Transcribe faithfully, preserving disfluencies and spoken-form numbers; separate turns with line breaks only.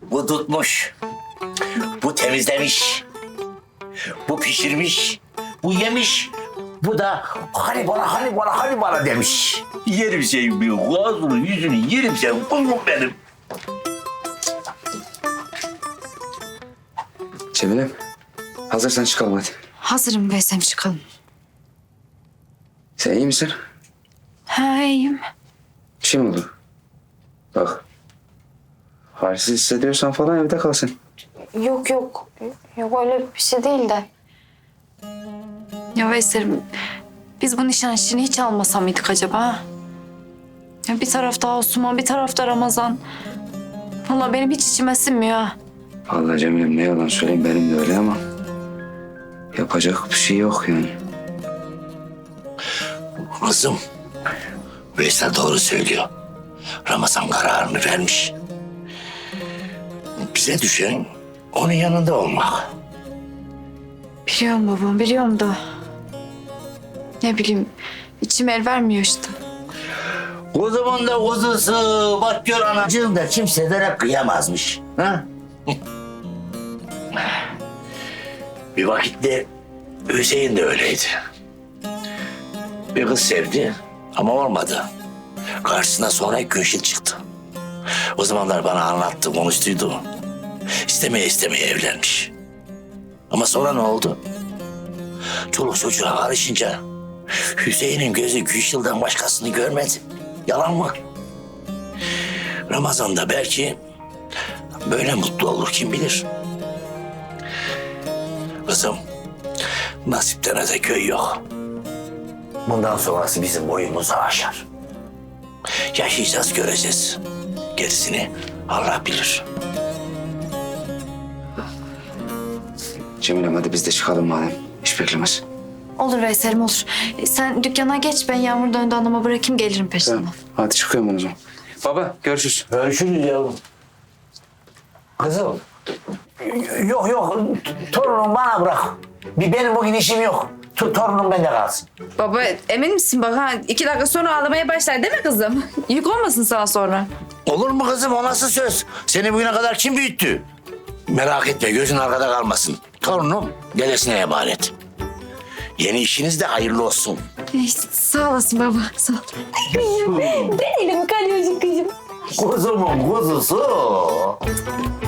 Bu tutmuş. Bu temizlemiş. Bu pişirmiş. Bu yemiş. Bu da hani bana hani bana hani bana demiş. Yerim senin bir ağzını yüzünü yerim senin kuzum benim.
Cemilem, hazırsan çıkalım hadi.
Hazırım Veysel, çıkalım.
Sen iyi misin?
Ha, iyiyim.
Bir şey mi oldu? Bak, halsiz hissediyorsan falan evde kalsın.
Yok yok. Yok öyle bir şey değil de. Ya Veysel'im, biz bu nişan işini hiç almasa mıydık acaba? Ha? Ya bir tarafta Asuman, bir tarafta Ramazan. Vallahi benim hiç içime sinmiyor ha.
Vallahi Cemilem, ne yalan söyleyeyim, benim de öyle ama yapacak bir şey yok yani.
Kızım, Veysel doğru söylüyor. Ramazan kararını vermiş. Bize düşen onun yanında olmak.
Biliyorum babam, biliyorum da. Ne bileyim, içim el vermiyor işte.
Kuzumun da kuzusu, bak gör anacığım da kimselere kıyamazmış. Ha? Bir vakitte Hüseyin de öyleydi. Bir kız sevdi ama olmadı. Karşısına sonra Gülşin çıktı. O zamanlar bana anlattı, konuştuydu. İstemeye istemeye evlenmiş. Ama sonra ne oldu? Çoluk çocuğa karışınca Hüseyin'in gözü Gülşil'den başkasını görmedi. Yalan mı? Ramazan da belki böyle mutlu olur, kim bilir. Kızım, nasipten öte köy yok. Bundan sonrası bizim boyumuzu aşar. Yaşayacağız, göreceğiz. Gerisini Allah bilir.
Cemilem, hadi biz de çıkalım madem. Hiç beklemez.
Olur Veysel'im, olur. E, Sen dükkana geç, ben Yağmur döndü anama bırakayım, gelirim peşinden.
Tamam, hadi çıkıyorum ben o zaman. Baba, görüşürüz.
Görüşürüz yavrum. Kızım. Yok yok, torunum bana bırak. Bir benim bugün işim yok. Tu- Torunum bende kalsın.
Baba emin misin bak ha? İki dakika sonra ağlamaya başlar değil mi kızım? Yük olmasın sana sonra.
Olur mu kızım, o nasıl söz? Seni bugüne kadar kim büyüttü? Merak etme, gözün arkada kalmasın. Torunum dedesine emanet. Yeni işiniz de hayırlı olsun.
E, sağ olasın baba, sağ ol.
Kuzumun kuzusu.